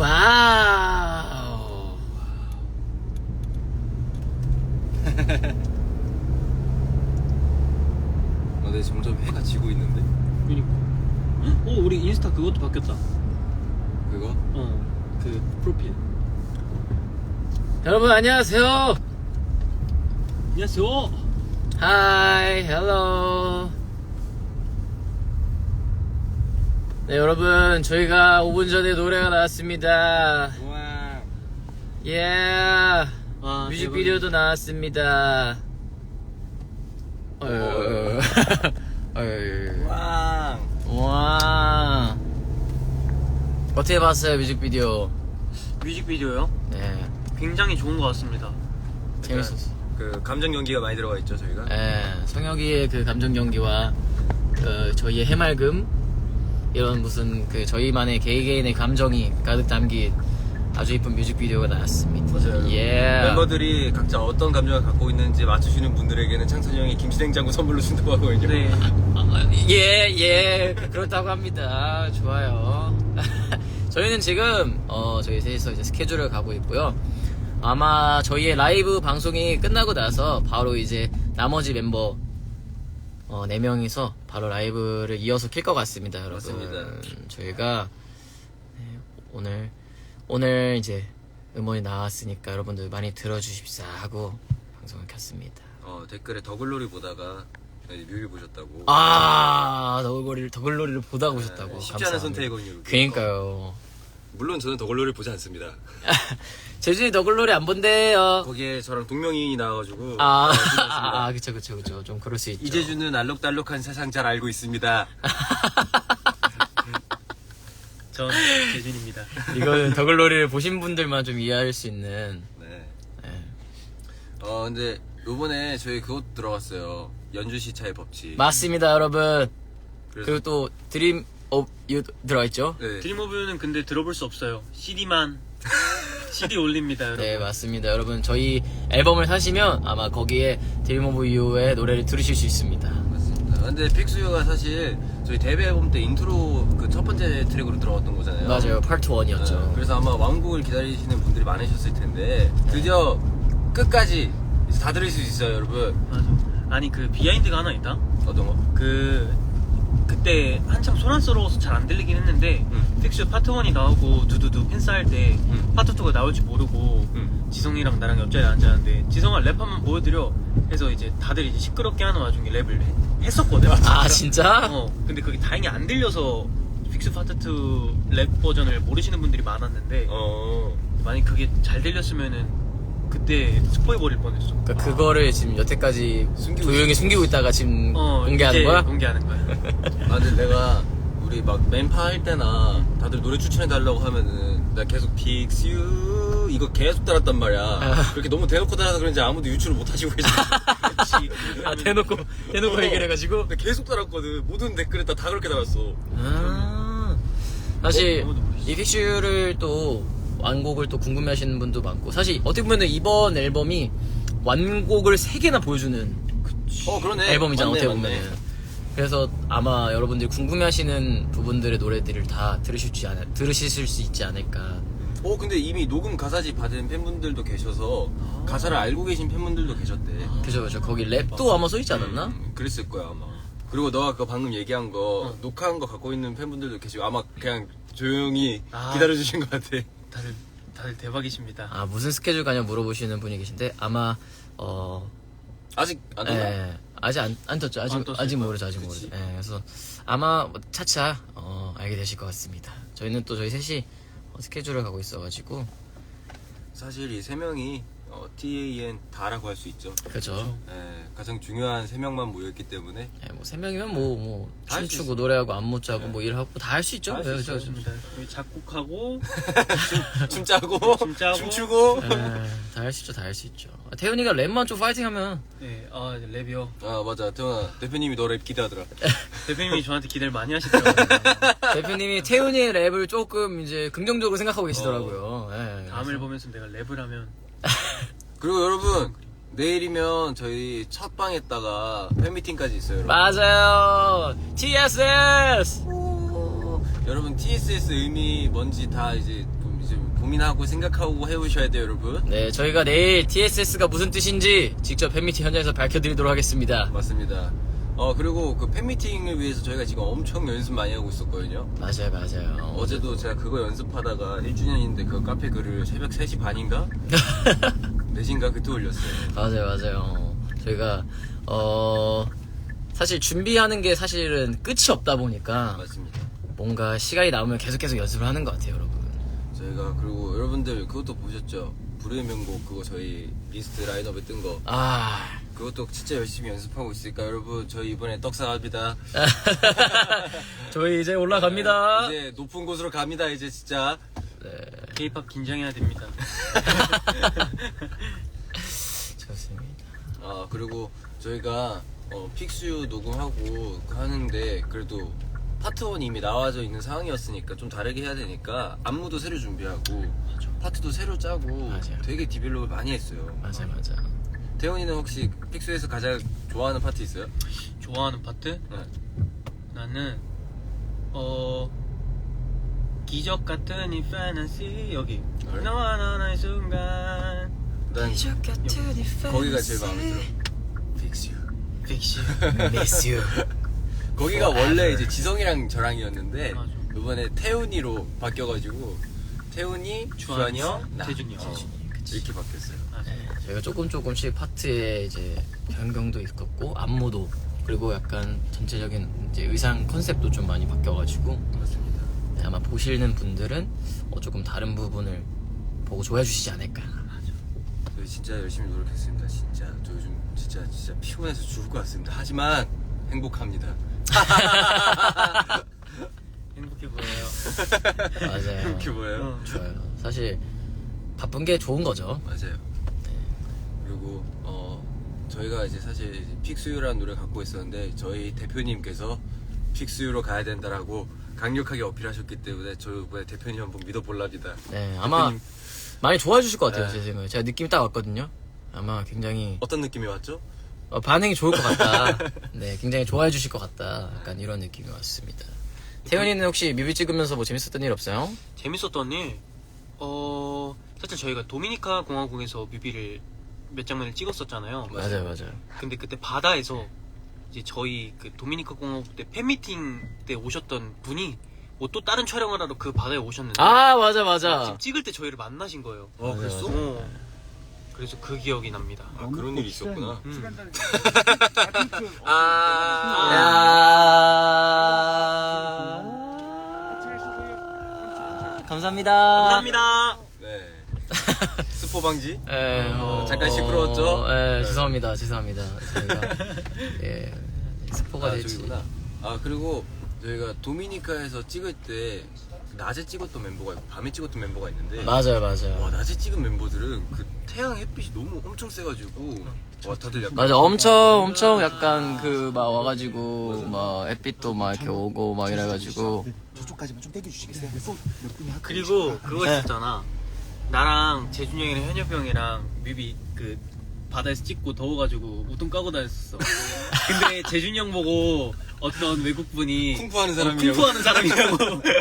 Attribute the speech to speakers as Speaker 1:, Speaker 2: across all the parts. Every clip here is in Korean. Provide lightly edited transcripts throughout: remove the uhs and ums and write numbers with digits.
Speaker 1: 와우.
Speaker 2: 근데 점점 해가 지고 있는데?
Speaker 3: 그니까. 우리 인스타 그것도 바뀌었다.
Speaker 2: 그거?
Speaker 3: 그 프로필.
Speaker 1: 여러분 안녕하세요.
Speaker 3: 안녕하세요.
Speaker 1: 하이, 헬로. 네, 여러분 저희가 5분 전에 노래가 나왔습니다.
Speaker 2: 우와.
Speaker 1: 예.
Speaker 3: 와,
Speaker 1: 뮤직비디오도 나왔습니다.
Speaker 2: 왕.
Speaker 1: 와. 어떻게 봤어요, 뮤직비디오?
Speaker 3: 뮤직비디오요?
Speaker 1: 네.
Speaker 3: 굉장히 좋은 것 같습니다.
Speaker 1: 재밌었어.
Speaker 2: 그 감정 연기가 많이 들어가 있죠 저희가.
Speaker 1: 예, 성혁이의 그 감정 연기와 그 저희의 해맑음 이런 무슨 그 저희만의 개개인의 감정이 가득 담긴 아주 이쁜 뮤직비디오가 나왔습니다.
Speaker 2: 맞아요.
Speaker 1: 예.
Speaker 2: 멤버들이 각자 어떤 감정을 갖고 있는지 맞추시는 분들에게는 창선이 형이 김치냉장고 선물로 준다고 하거든요.
Speaker 3: 네.
Speaker 1: 예, 그렇다고 합니다. 좋아요. 저희는 지금 저희 셋이서 이제 스케줄을 가고 있고요. 아마 저희의 라이브 방송이 끝나고 나서 바로 이제 나머지 멤버 4명이서 바로 라이브를 이어서 킬 것 같습니다, 여러분.
Speaker 2: 맞습니다.
Speaker 1: 저희가 네, 오늘 이제 음원이 나왔으니까 여러분들 많이 들어주십사 하고 방송을 켰습니다.
Speaker 2: 댓글에 더글로리 보다가 뮤비 보셨다고.
Speaker 1: 더글로리를 보다 보셨다고.
Speaker 2: 쉽지 않은
Speaker 1: 감사합니다.
Speaker 2: 선택이거든요.
Speaker 1: 그러니까요.
Speaker 2: 물론 저는 더글로리를 보지 않습니다.
Speaker 1: 재준이 더글로리 안 본대요.
Speaker 2: 거기에 저랑 동명이인이 나와가지고.
Speaker 1: 그쵸. 좀 그럴 수 있죠.
Speaker 2: 이재준은 알록달록한 세상 잘 알고 있습니다.
Speaker 3: 전 재준입니다.
Speaker 1: 이거는 더글로리를 보신 분들만 좀 이해할 수 있는.
Speaker 2: 네.
Speaker 1: 네.
Speaker 2: 근데 요번에 저희 그것 들어갔어요. 연주시차의 법칙.
Speaker 1: 맞습니다, 여러분.
Speaker 2: 그래서-
Speaker 1: 그리고 또 드림 오브 유 들어가 있죠.
Speaker 2: 네.
Speaker 3: 드림 오브 유는 근데 들어볼 수 없어요. CD만 CD 올립니다, 여러분.
Speaker 1: 네, 맞습니다, 여러분. 저희 앨범을 사시면 아마 거기에 드림 오브 유의 노래를 들으실 수 있습니다.
Speaker 2: 맞습니다. 근데 픽스유가 사실 저희 데뷔 앨범 때 인트로 그 첫 번째 트랙으로 들어갔던 거잖아요.
Speaker 1: 맞아요, 파트 1이었죠.
Speaker 2: 네, 그래서 아마 왕곡을 기다리시는 분들이 많으셨을 텐데 드디어 끝까지 이제 다 들을 수 있어요, 여러분.
Speaker 3: 맞아. 아니 그 비하인드가 하나 있다.
Speaker 2: 어떤 거?
Speaker 3: 그때 한참 소란스러워서 잘 안 들리긴 했는데 픽스 파트 1이 나오고 두두두 팬싸할 때 파트 2가 나올지 모르고 지성이랑 나랑 옆자리에 앉았는데 지성아 랩 한번 보여드려 해서 이제 다들 이제 시끄럽게 하는 와중에 랩을 했었거든.
Speaker 1: 아, 진짜?
Speaker 3: 근데 그게 다행히 안 들려서 픽스 파트 2 랩 버전을 모르시는 분들이 많았는데 만약 그게 잘 들렸으면은 그때 스포해 버릴 뻔했어.
Speaker 1: 그러니까 그거를 지금 여태까지
Speaker 2: 숨기고
Speaker 1: 조용히 숨기고 있다가 지금 공개하는
Speaker 3: 이제
Speaker 1: 거야?
Speaker 3: 공개하는 거야.
Speaker 2: 근데 내가 우리 막 맨파 할 때나 다들 노래 추천해달라고 하면은 나 계속 픽스유 이거 계속 따랐단 말이야. 그렇게 너무 대놓고 따라서 그런지 아무도 유출을 못 하시고 계시지.
Speaker 1: 대놓고 얘기를 해가지고.
Speaker 2: 근데 계속 따랐거든. 모든 댓글에 다 그렇게 달았어.
Speaker 1: 사실
Speaker 3: 아무도 모르시죠.
Speaker 1: 이 픽슈를 또 완곡을 또 궁금해하시는 분도 많고, 사실 어떻게 보면 이번 앨범이 완곡을 3개나 보여주는
Speaker 2: 그러네.
Speaker 1: 앨범이잖아,
Speaker 2: 맞네,
Speaker 1: 어떻게
Speaker 2: 맞네.
Speaker 1: 보면은. 그래서 아마 여러분들이 궁금해하시는 부분들의 노래들을 다 들으실 수 있지 않을까.
Speaker 2: 근데 이미 녹음 가사지 받은 팬분들도 계셔서 가사를 알고 계신 팬분들도 계셨대.
Speaker 1: 그죠. 거기 랩도 아마 써있지 않았나?
Speaker 2: 그랬을 거야 아마. 그리고 너가 그 방금 얘기한 거 녹화한 거 갖고 있는 팬분들도 계시고 아마 그냥 조용히 기다려주신 것 같아.
Speaker 3: 다들 대박이십니다.
Speaker 1: 무슨 스케줄 가냐 물어보시는 분이 계신데, 아마
Speaker 2: 아직 안 됐나?
Speaker 1: 예, 아직 안 떴죠. 아직 모르죠.
Speaker 2: 그치.
Speaker 1: 예, 그래서 아마 차차 알게 되실 것 같습니다. 저희는 또 저희 셋이 스케줄을 가고 있어가지고.
Speaker 2: 사실 이 세 명이 TAN 다라고 할 수 있죠.
Speaker 1: 그죠.
Speaker 2: 예, 가장 중요한 세 명만 모였기 때문에
Speaker 1: 예, 뭐 3명이면 뭐
Speaker 2: 다할수
Speaker 1: 춤추고
Speaker 2: 있어.
Speaker 1: 노래하고 안무 짜고 뭐 일하고 다 할 수 있죠.
Speaker 2: 다 할 수
Speaker 1: 예,
Speaker 2: 있어요.
Speaker 1: 그죠.
Speaker 3: 좋습니다. 여기 작곡하고
Speaker 2: 춤 짜고
Speaker 3: 춤 짜고.
Speaker 2: 춤추고.
Speaker 1: 다 할 수 있죠. 태훈이가 랩만 좀 파이팅하면.
Speaker 3: 네, 이제 랩이요.
Speaker 2: 맞아. 태훈아 대표님이 너 랩 기대하더라.
Speaker 3: 대표님이 저한테 기대를 많이 하시더라고요.
Speaker 1: 대표님이 태훈이의 랩을 조금 이제 긍정적으로 생각하고 계시더라고요. 예,
Speaker 3: 다음
Speaker 1: 그래서.
Speaker 3: 앨범에서 내가 랩을 하면
Speaker 2: 그리고 여러분 내일이면 저희 첫 방에다가 팬미팅까지 있어요. 여러분.
Speaker 1: 맞아요. TSS.
Speaker 2: 여러분 TSS 의미 뭔지 다 이제 좀 고민하고 생각하고 해오셔야 돼요, 여러분.
Speaker 1: 네, 저희가 내일 TSS가 무슨 뜻인지 직접 팬미팅 현장에서 밝혀드리도록 하겠습니다.
Speaker 2: 맞습니다. 그리고 그 팬미팅을 위해서 저희가 지금 엄청 연습 많이 하고 있었거든요.
Speaker 1: 맞아요.
Speaker 2: 어제도 제가 그거 연습하다가 1주년인데 그 카페 글을 새벽 3시 반인가? 4시인가 그때 올렸어요.
Speaker 1: 맞아요. 저희가 사실 준비하는 게 사실은 끝이 없다 보니까
Speaker 2: 맞습니다.
Speaker 1: 뭔가 시간이 남으면 계속 연습을 하는 것 같아요, 여러분.
Speaker 2: 저희가 그리고 여러분들 그것도 보셨죠? 불후의 명곡 그거 저희 리스트 라인업에 뜬 거
Speaker 1: 아,
Speaker 2: 그것도 진짜 열심히 연습하고 있으니까 여러분 저희 이번에 떡상합니다.
Speaker 1: 저희 이제 올라갑니다.
Speaker 2: 이제 높은 곳으로 갑니다 이제 진짜.
Speaker 3: K-pop 긴장해야 됩니다.
Speaker 1: 좋습니다.
Speaker 2: 그리고 저희가 픽스유 녹음하고 하는데 그래도 파트 1이 이미 나와져 있는 상황이었으니까 좀 다르게 해야 되니까 안무도 새로 준비하고 파트도 새로 짜고
Speaker 1: 맞아요.
Speaker 2: 되게 디벨롭을 많이 했어요.
Speaker 1: 맞아.
Speaker 2: 태훈이는 혹시 픽스유에서 가장 좋아하는 파트 있어요?
Speaker 3: 좋아하는 파트?
Speaker 2: 네.
Speaker 3: 나는 기적 같은 이 패너시 여기
Speaker 2: 그래?
Speaker 3: 너와 나의 순간
Speaker 2: 난 거기가 제일 마음에 들어. 픽스유.
Speaker 3: 픽시
Speaker 1: Miss you.
Speaker 2: 거기가
Speaker 1: Forever.
Speaker 2: 원래 이제 지성이랑 저랑이었는데
Speaker 3: 맞아.
Speaker 2: 이번에 태훈이로 바뀌어가지고 태훈이, 주한이 형, 나
Speaker 3: 태준이 형.
Speaker 2: 이렇게 바뀌었어요.
Speaker 1: 저희가 조금씩 파트에 이제 변경도 있었고 안무도 그리고 약간 전체적인 이제 의상 컨셉도 좀 많이 바뀌어가지고
Speaker 2: 맞습니다.
Speaker 1: 네, 아마 보시는 분들은 조금 다른 부분을 보고 좋아해 주시지 않을까.
Speaker 2: 저희 진짜 열심히 노력했습니다. 진짜 저 요즘 진짜 피곤해서 죽을 것 같습니다. 하지만 행복합니다.
Speaker 3: 행복해 보여요.
Speaker 1: 맞아요.
Speaker 2: 행복해 보여요.
Speaker 1: 좋아요. 사실 바쁜 게 좋은 거죠.
Speaker 2: 맞아요. 그리고 저희가 이제 사실 이제 픽스유라는 노래 갖고 있었는데 저희 대표님께서 픽스유로 가야 된다라고 강력하게 어필하셨기 때문에 저 이번에 대표님 한번 믿어볼랍니다.
Speaker 1: 네, 아마 많이 좋아해 주실 것 같아요.
Speaker 2: 네.
Speaker 1: 제 생각에. 제가 느낌이 딱 왔거든요. 아마 굉장히
Speaker 2: 어떤 느낌이 왔죠?
Speaker 1: 반응이 좋을 것 같다. 네, 굉장히 좋아해 주실 것 같다. 약간 이런 느낌이 왔습니다. 태연이는 혹시 뮤비 찍으면서 뭐 재밌었던 일 없어요?
Speaker 3: 재밌었던 일 사실 저희가 도미니카 공화국에서 뮤비를 몇 장면을 찍었었잖아요.
Speaker 1: 맞아요.
Speaker 3: 근데 그때 바다에서 이제 저희 그 도미니카 공화국 때 팬미팅 때 오셨던 분이 뭐 또 다른 촬영을 하러 그 바다에 오셨는데
Speaker 1: 아, 맞아.
Speaker 3: 지금 찍을 때 저희를 만나신 거예요.
Speaker 2: 그랬어?
Speaker 3: 그래서 그 기억이 납니다.
Speaker 2: 그런 일이 있었구나.
Speaker 1: 감사합니다.
Speaker 3: 감사합니다.
Speaker 2: 네. 스포 방지?
Speaker 1: 예,
Speaker 2: 잠깐 시끄러웠죠?
Speaker 1: 죄송합니다. 저희가 스포가 될지.
Speaker 2: 저기구나. 그리고 저희가 도미니카에서 찍을 때 낮에 찍었던 멤버가 있고 밤에 찍었던 멤버가 있는데
Speaker 1: 맞아요.
Speaker 2: 와 낮에 찍은 멤버들은 그 태양 햇빛이 너무 엄청 세가지고 와 다들 약간
Speaker 1: 맞아, 엄청 약간 그 막 와가지고 막 햇빛도 막 이렇게 오고 막 이래가지고.
Speaker 4: 저쪽까지만 좀 땡겨주시겠어요? 몇 분이
Speaker 3: 그리고 그거 있었잖아. 나랑 재준이 형이랑 현엽이 형이랑 뮤비 그 바다에서 찍고 더워가지고 우통 까고 다녔었어. 근데 재준이 형 보고 어떤 외국분이
Speaker 2: 쿵푸하는 사람이라고.
Speaker 3: 쿵푸하는 사람이라고.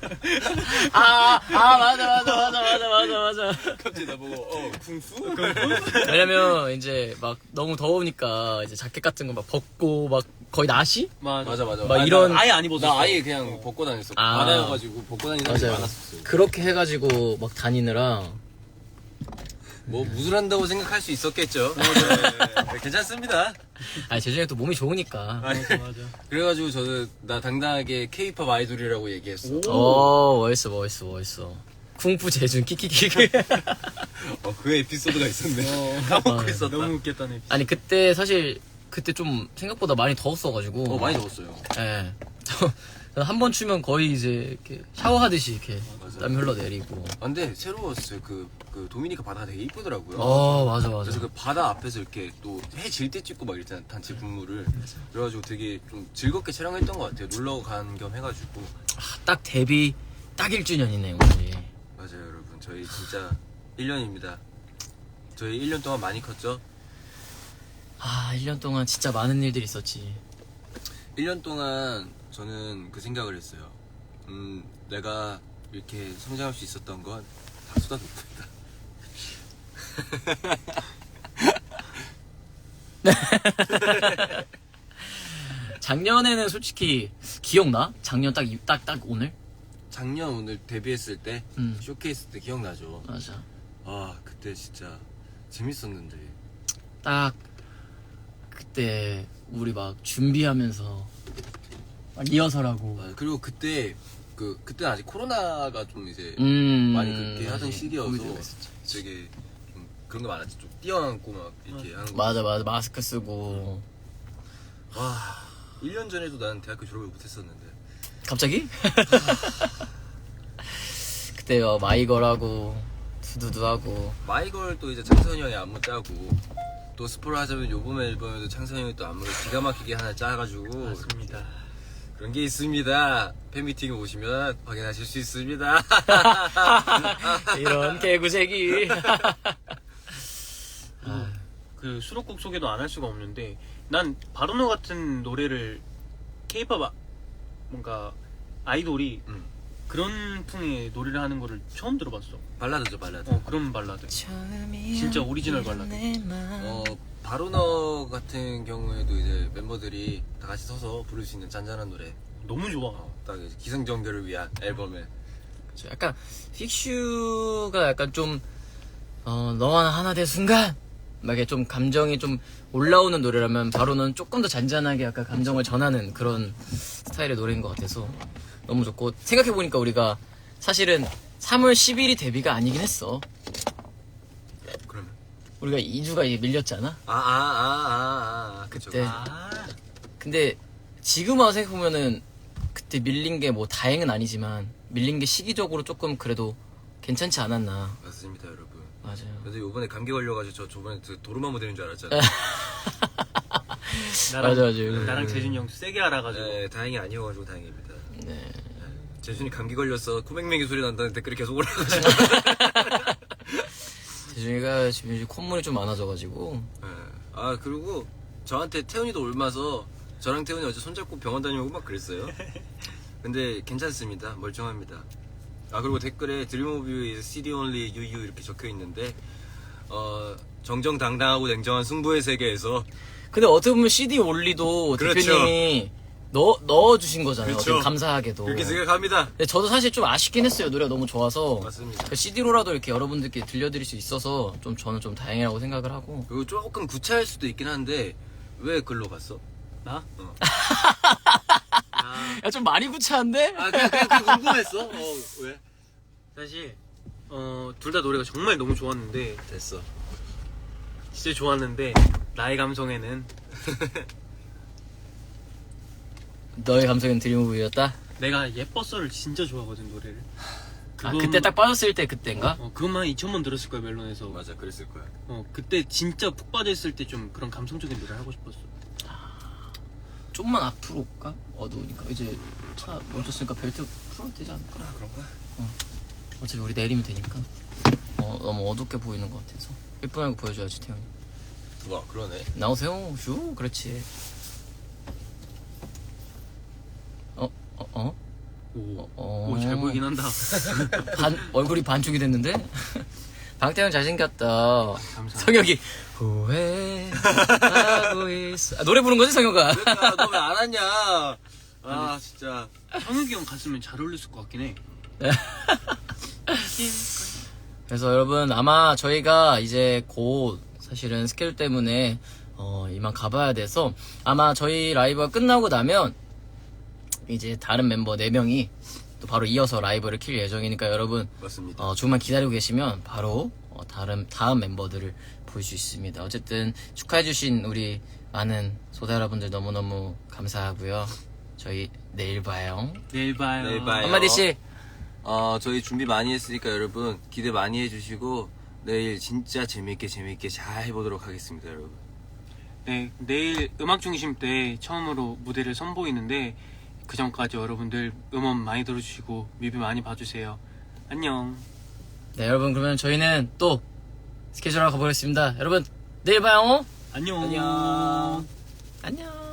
Speaker 1: 맞아.
Speaker 2: 갑자기 나보고 쿵푸?
Speaker 1: 왜냐면 이제 막 너무 더우니까 이제 자켓 같은 거 막 벗고 막 거의 나시?
Speaker 2: 맞아.
Speaker 1: 막 이런-
Speaker 3: 아예 안 입었어.
Speaker 2: 나 아예 그냥 벗고 다녔어. 바다여가지고 벗고 다니는 사람이
Speaker 1: 맞아요.
Speaker 2: 많았었어.
Speaker 1: 그렇게 해가지고 막 다니느라
Speaker 2: 뭐 무술한다고 생각할 수 있었겠죠. 네, 괜찮습니다.
Speaker 1: 재준이 또 몸이 좋으니까.
Speaker 3: 맞아.
Speaker 2: 그래가지고 저는 나 당당하게 K-pop 아이돌이라고 얘기했어.
Speaker 1: 멋있어. 쿵푸 재준 키키키키.
Speaker 2: 그 에피소드가 있었네. 까먹고 있었다.
Speaker 3: 너무 웃겼다네.
Speaker 1: 아니 그때 사실 그때 좀 생각보다 많이 더웠어가지고.
Speaker 2: 많이 더웠어요.
Speaker 1: 예. 한 번 추면 거의 이제 이렇게 샤워하듯이 이렇게
Speaker 2: 맞아요.
Speaker 1: 땀이 흘러내리고.
Speaker 2: 근데 새로웠어요. 그 도미니카 바다가 되게 이쁘더라고요.
Speaker 1: 맞아.
Speaker 2: 그래서 그 바다 앞에서 이렇게 또 해 질 때 찍고 막 이랬잖아. 단체 분무를. 그래가지고 되게 좀 즐겁게 촬영했던 것 같아요. 놀러 간 겸 해가지고.
Speaker 1: 딱 데뷔 딱 1주년이네 오늘이.
Speaker 2: 맞아요, 여러분. 저희 진짜 1년입니다. 저희 1년 동안 많이 컸죠?
Speaker 1: 1년 동안 진짜 많은 일들이 있었지.
Speaker 2: 1년 동안 저는 그 생각을 했어요. 내가 이렇게 성장할 수 있었던 건 다 쏟아붓는다.
Speaker 1: 작년에는 솔직히 기억나? 작년 딱 오늘?
Speaker 2: 작년 오늘 데뷔했을 때
Speaker 1: 음.
Speaker 2: 쇼케이스 때 기억나죠?
Speaker 1: 맞아.
Speaker 2: 아 그때 진짜 재밌었는데.
Speaker 1: 딱 그때 우리 막 준비하면서 막 리허설하고.
Speaker 2: 아, 그리고 그때 그때 아직 코로나가 좀 이제 많이 그렇게 하던 시기여서
Speaker 1: 코비드가 있었지.
Speaker 2: 되게 좀 그런 거 많았지. 좀 뛰어안고 막 이렇게 하는 거.
Speaker 1: 맞아 마스크 쓰고.
Speaker 2: 와 1년 전에도 나는 대학교 졸업을 못했었는데.
Speaker 1: 갑자기? 그때 마이걸하고 두두두하고.
Speaker 2: 마이걸 또 이제 창선이 형이 안무 짜고 또 스포를 하자면 요번 앨범에도 창선이 형이 또 안무를 기가 막히게 하나 짜가지고
Speaker 3: 맞습니다.
Speaker 2: 그런 게 있습니다. 팬미팅에 오시면 확인하실 수 있습니다.
Speaker 1: 이런 개구쟁이.
Speaker 3: 그 수록곡 소개도 안 할 수가 없는데 난 바로노 같은 노래를 K-pop 뭔가 아이돌이 그런 풍의 노래를 하는 거를 처음 들어봤어.
Speaker 2: 발라드죠 발라드.
Speaker 3: 그런 발라드. 진짜 오리지널 발라드.
Speaker 2: 바로너 같은 경우에도 이제 멤버들이 다 같이 서서 부를 수 있는 잔잔한 노래.
Speaker 3: 너무 좋아.
Speaker 2: 딱 이제 기승전결을 위한 앨범에.
Speaker 1: 약간 픽슈가 약간 좀 너와 하나 된 순간 막 이렇게 좀 감정이 좀 올라오는 노래라면 바로는 조금 더 잔잔하게 약간 감정을 전하는 그런 스타일의 노래인 것 같아서 너무 좋고, 생각해보니까 우리가 사실은 3월 10일이 데뷔가 아니긴 했어.
Speaker 2: 그러면
Speaker 1: 우리가 2주가 밀렸잖아.
Speaker 2: 그쵸.
Speaker 1: 그때. 근데 지금 와서 생각해보면은 그때 밀린 게 뭐 다행은 아니지만 밀린 게 시기적으로 조금 그래도 괜찮지 않았나.
Speaker 2: 맞습니다 여러분.
Speaker 1: 맞아요.
Speaker 2: 그래도 요번에 감기 걸려가지고 저 저번에 도루마무 되는 줄 알았잖아요.
Speaker 1: 맞아.
Speaker 3: 나랑 재준이 형 세게 알아가지고.
Speaker 2: 네, 다행히 아니어가지고 다행입니다.
Speaker 1: 네.
Speaker 2: 재준이 감기 걸렸어 코맹맹이 소리 난다는 댓글이 계속 올라가지고.
Speaker 1: 재준이가 지금 이제 콧물이 좀 많아져가지고.
Speaker 2: 네. 아 그리고 저한테 태훈이도 옮아서 저랑 태훈이 어제 손잡고 병원 다녀오고 막 그랬어요. 근데 괜찮습니다. 멀쩡합니다. 아 그리고 댓글에 Dream of You is CD only you 이렇게 적혀 있는데 정정당당하고 냉정한 승부의 세계에서
Speaker 1: 근데 어떻게 보면 CD 올리도
Speaker 2: 그렇죠.
Speaker 1: 대표님이 넣어주신 거잖아요.
Speaker 2: 그렇죠.
Speaker 1: 어떻게 감사하게도.
Speaker 2: 그렇게 생각합니다.
Speaker 1: 근데 저도 사실 좀 아쉽긴 했어요. 노래가 너무 좋아서.
Speaker 2: 맞습니다.
Speaker 1: CD로라도 이렇게 여러분들께 들려드릴 수 있어서 좀 저는 좀 다행이라고 생각을 하고.
Speaker 2: 그리고 조금 구차할 수도 있긴 한데 왜 글로 갔어?
Speaker 3: 나?
Speaker 1: 야, 좀 많이 구차한데?
Speaker 2: 그냥 궁금했어. 왜?
Speaker 3: 사실 둘 다 노래가 정말 너무 좋았는데
Speaker 2: 됐어.
Speaker 3: 진짜 좋았는데 나의 감성에는
Speaker 1: 너의 감성은 드림오브였다?
Speaker 3: 내가 예뻤어를 진짜 좋아하거든 노래를.
Speaker 1: 그때 딱 빠졌을 때 그때인가?
Speaker 3: 그것만 2,000번 들었을 거야 멜론에서.
Speaker 2: 맞아 그랬을 거야.
Speaker 3: 그때 진짜 푹 빠져있을 때 좀 그런 감성적인 노래 하고 싶었어.
Speaker 1: 좀만 앞으로 올까? 어두우니까. 이제 차 멈췄으니까 벨트 풀어도 되지 않을까?
Speaker 2: 그런가?
Speaker 1: 어차피 우리 내리면 되니까. 너무 어둡게 보이는 것 같아서. 예쁘게 보여줘야지, 태훈이.
Speaker 2: 와 그러네.
Speaker 1: 나오세요. 슈, 그렇지.
Speaker 3: 오, 잘 보이긴 한다.
Speaker 1: 얼굴이 반쪽이 됐는데? 방태형 잘생겼다.
Speaker 3: 감사합니다.
Speaker 1: 성혁이 후회하고 있어. 노래 부른 거지, 성혁아?
Speaker 2: 그러니까 너 왜 안 왔냐? 아 진짜.
Speaker 3: 성욱이 형 갔으면 잘 어울렸을 것 같긴 해.
Speaker 1: 그래서 여러분, 아마 저희가 이제 곧 사실은 스케줄 때문에 이만 가봐야 돼서 아마 저희 라이브가 끝나고 나면 이제 다른 멤버 4명이 또 바로 이어서 라이브를 킬 예정이니까 여러분
Speaker 2: 맞습니다.
Speaker 1: 조금만 기다리고 계시면 바로 다음 멤버들을 볼 수 있습니다. 어쨌든 축하해주신 우리 많은 소다 여러분들 너무너무 감사하고요. 저희 내일 봐요.
Speaker 3: 내일 봐요.
Speaker 2: 내일 봐요.
Speaker 1: 한마디씩.
Speaker 2: 저희 준비 많이 했으니까 여러분 기대 많이 해주시고 내일 진짜 재밌게 잘 해보도록 하겠습니다 여러분.
Speaker 3: 네, 내일 음악 중심 때 처음으로 무대를 선보이는데 그 전까지 여러분들 음원 많이 들어주시고 뮤비 많이 봐주세요. 안녕.
Speaker 1: 네, 여러분, 그러면 저희는 또 스케줄하러 가보겠습니다. 여러분, 내일 봐요.
Speaker 3: 안녕.
Speaker 2: 안녕.
Speaker 1: 안녕.